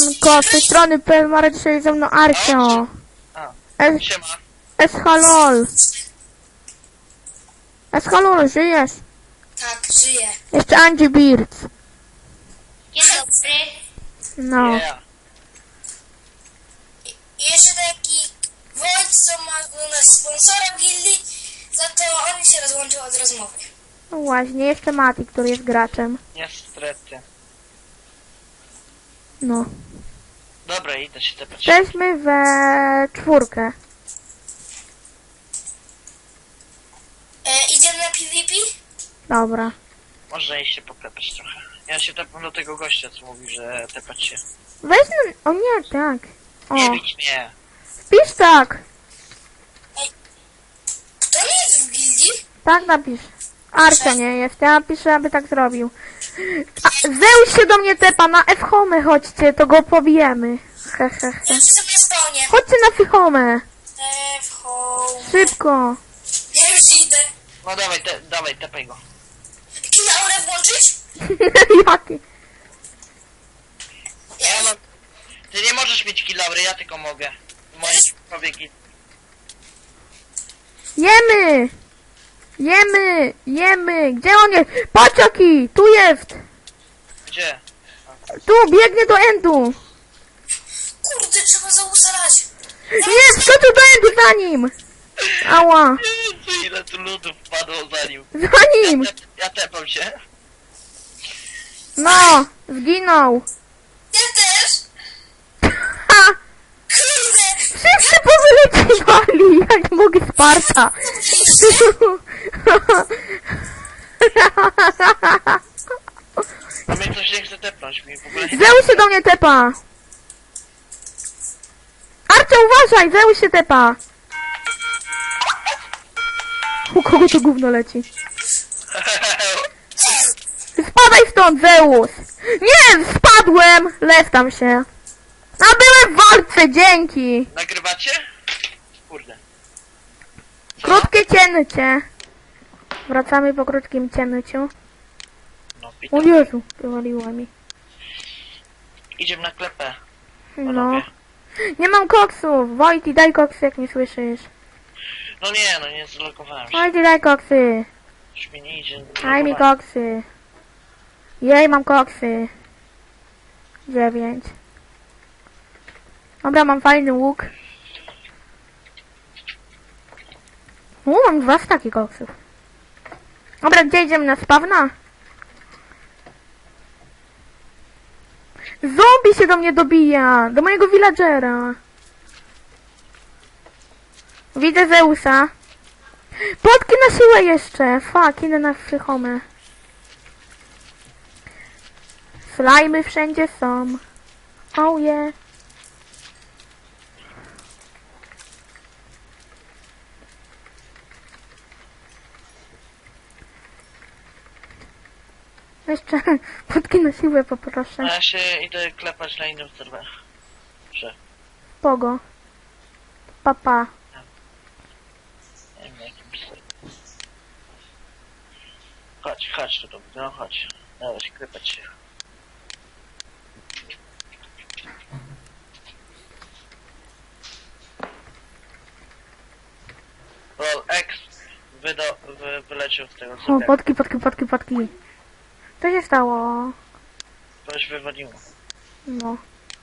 Siemanko, z tej strony Pelmara, dzisiaj ze mną Arcio. Siema. Eshalol. Eshalol, żyjesz? Tak, żyję. Jeszcze Angie Beard. Dzień dobry. No. Yeah. I jeszcze taki Wojt, co ma u nas sponsora w gildii, za to on się rozłączył od rozmowy. No właśnie, jeszcze Mati, który jest graczem. Niestety. No. Dobra, idę się tepać. Jesteśmy we czwórkę. Idziemy na PvP? Dobra. Można iść się poklepać trochę. Ja się tepam do tego gościa, co mówi, że tepać się. Weź na... O nie, tak. Nie O, bić mnie. wpisz tak. Kto nie jest w gildii? Tak napisz. Arcio nie jest, ja napiszę, aby tak zrobił. A, Zeus się do mnie tepa, na F-home chodźcie, to go pobijemy. He, he, Ja he. już sobie spawnię. Chodźcie na F-home. W home. Szybko. Ja już idę. No dawaj, tepaj go. Kinaurę włączyć? Jaki? Ja mam... Ty nie możesz mieć kilaury, ja tylko mogę. Moje powieki. Jemy! Jemy! Jemy! Gdzie on jest? Patrz jaki! Tu jest! Gdzie? Tu, biegnie do endu! Kurde, trzeba zausalać. Nie, wskoczył do endu za nim! Ała! Jezu, ile tu ludów wpadło za nim. Za nim! Ja tepam się. No! Zginął! Ja też. Ha! Kurde. Wszyscy powyleciwali! Jak mogę Sparta! A mnie coś nie chce tepnąć, mi w ogóle... Zeus się do mnie tepa! Arcio, uważaj! Zeus się tepa! U kogo to gówno leci? Spadaj stąd, Zeus! Nie! Spadłem! Lew tam się! A byłem w walce, dzięki! Nagrywacie? Kurde. Co? Krótkie cięcie. Wracamy po krótkim cięciu. No, O witam. Jezu, wywaliło mi. Idziemy na klepę. No. Panowie. Nie mam koksów! Wojty, daj koksy, jak nie słyszysz. No nie zlogowałem się. Wojty, daj koksy! Już mi nie idzie. Daj mi koksy. Jej, mam koksy. 9. Dobra, mam fajny łuk. Mam 2 staki koksów. Dobra, gdzie idziemy na spawna? Zombie się do mnie dobija! Do mojego villagera. Widzę Zeusa. Potki na siłę jeszcze! Fuck, idę na psychomę. Slajmy wszędzie są. Oh yeah. Jeszcze potki na siłę poproszę. A ja się idę klepać na innym serwerze. Pogo. Papa. Nie wiem na jakim serwerze. Chodź tu, no chodź. Dawaj się klepać się. Roll X wyleciał z tego O, serwera. potki. Co się stało? Coś wywaliło. No.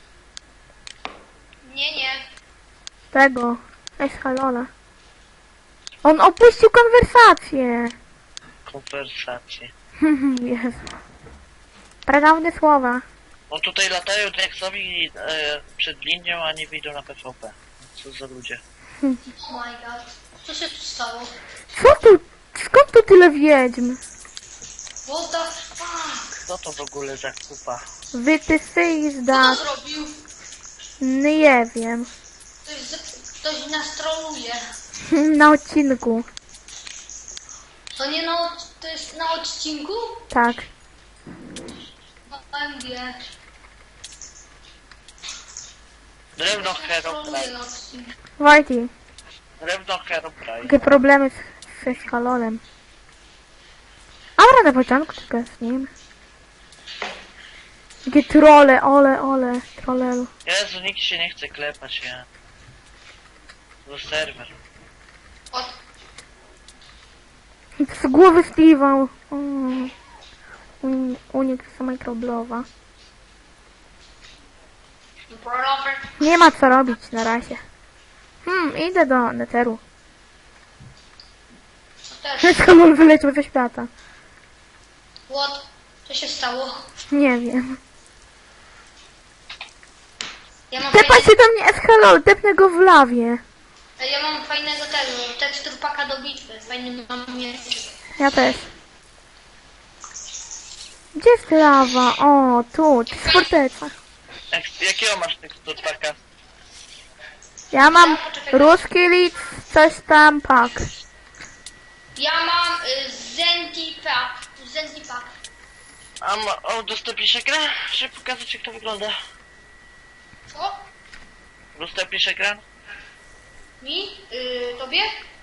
Nie. Tego. Eshalola. On opuścił konwersację. Konwersacje. Jezu. Pradawne słowa. No tutaj latają tak jak sobie przed linią, a nie wyjdą na PvP. Co za ludzie. Oh my god. Co się tu stało? Co tu? Skąd tu tyle wiedźm? What the fuck? Co to w ogóle za kupa? Wytysy Kto zda. zrobił? Nie wiem. Ktoś nas troluje. Na odcinku. To nie to jest na odcinku? Tak. OMG. Drewno Hero Troluje Prime. na odcinku. Wojty. Drewno Hero Prime. Jakie problemy z Eshalolem. Dobra, na początku tylko z nim. Jakie trole, ole, trolelu. Jezu, nikt się nie chce klepać, nie? To serwer. O, Z głowy Steve'a. Unik z microblowa. brawler. Nie ma co robić na razie. Idę do Netheru. Też. Skąd wyleciał ze świata? What? Co się stało? Nie wiem. Ja mam, Tepa się do mnie Eskalol, tepnę go w lawie. ja mam fajnego tego, teksturpaka do bitwy. Fajny mam miecz. Ja też. Gdzie jest lawa? O, tu, to jest forteca. Jakiego masz teksturpaka? Ja mam ruski lit, coś tam pak. Ja mam Zentipak. A udostępnisz ekran? Żeby pokazać, jak to wygląda. Co? Udostępnisz ekran? Mi? Tobie?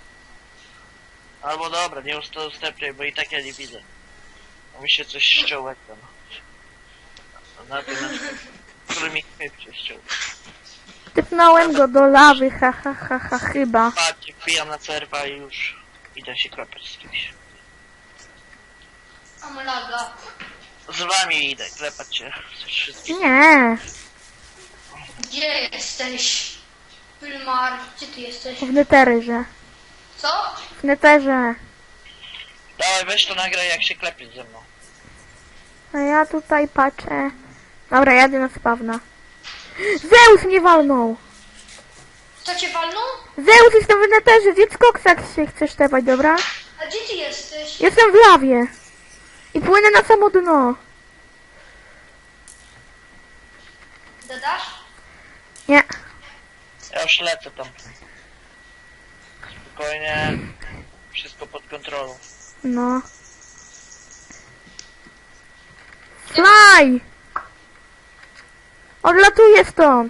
Albo dobra, nie udostępniaj, bo i tak ja nie widzę. A mi się coś ściął ekran. Na tym, który mi się ściął. Typnąłem go do lawy, chyba. Patrz, wbijam na serwa i już idę się klepać z kimś. Mam laga. Z wami idę klepać się. Wszystkich. Nie, Gdzie jesteś? Wilmar, gdzie ty jesteś? w Netherze. Co? W Netherze. Dawaj, weź to nagraj, jak się klepiesz ze mną. A ja tutaj patrzę. Dobra, jadę na spawna. Zeus mnie walnął! Co cię walnął? Zeus, jestem w Netherze, zjedz koksa, jak się chcesz tepać, dobra? A gdzie ty jesteś? Jestem w lawie. I płynę na samo dno. Dodasz? Nie. Ja już lecę tam. Spokojnie. Wszystko pod kontrolą. No. Fly! Odlatuję stąd.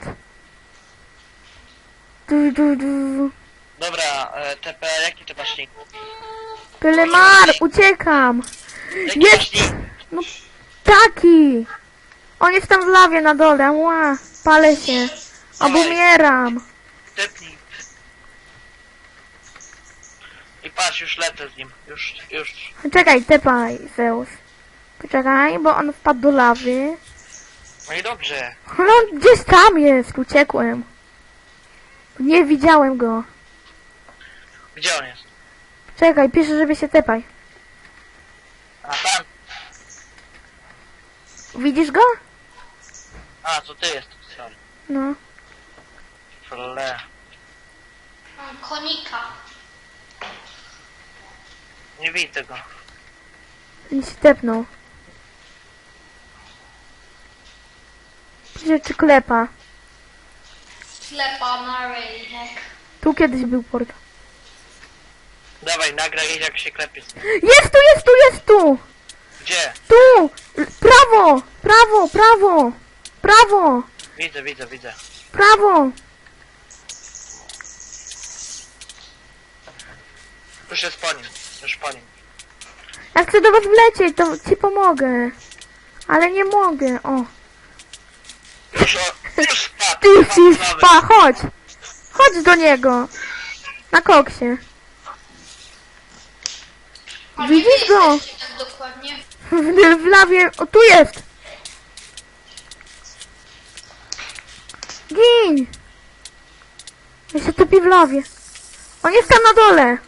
Du. Dobra, TP, jaki ty masz nick? Pylemar, uciekam. Jaki Jest! masz nick? No, taki. On jest tam w lawie na dole. Ła, palę się. Albo umieram. Tepnij. I patrz, już lecę z nim. Już. Czekaj, tepaj, Zeus. Poczekaj, bo on wpadł do lawy. No i dobrze. No, gdzieś tam jest, uciekłem. Nie widziałem go. Gdzie on jest? Czekaj, piszę, żeby się tepaj. A tam. Widzisz go? A, to ty jest. Sorry. No. Fle. Mam konika. Nie widzę go. I się tepnął. Pisze, czy klepa. Sklepa na rejek. Tu kiedyś był port. Dawaj, nagraj, jak się klepie. Jest tu! Gdzie? Tu! Prawo! Widzę. Prawo! Już jest po nim. Już po nim. Jak chcę do was wlecieć, to ci pomogę. Ale nie mogę, o. Już spadł. Ty spadł z lawy. chodź! Chodź do niego! Na koksie. A Widzisz gdzie go? jesteście tak dokładnie? W lawie, o tu jest! Gin! Ja się topi w lawie. On jest tam na dole.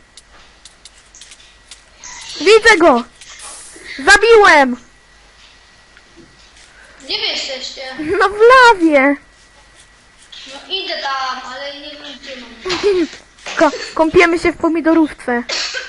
Widzę go! Zabiłem! Gdzie wy jesteście? No w lawie! No idę tam, ale nie wiem gdzie mam. Kąpiemy się w pomidorówce.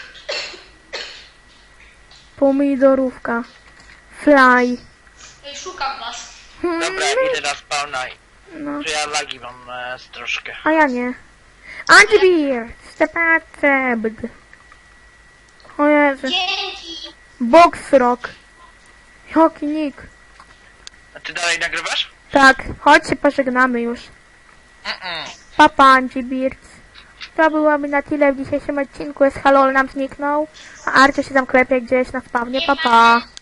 Pomidorówka. Fly. Ej, szukam was. Dobra, idę na spawna. No, Czy ja lagi mam troszkę. a ja nie. Antibir! Stepacebd. O Jezu. Dzięki. Boxrock. Joki nick. A ty dalej nagrywasz? Tak, chodź się pożegnamy już. Papa Antibirds. To byłoby na tyle w dzisiejszym odcinku. Eskalol nam zniknął, a Arcio się tam klepie gdzieś na spawnie. Papa.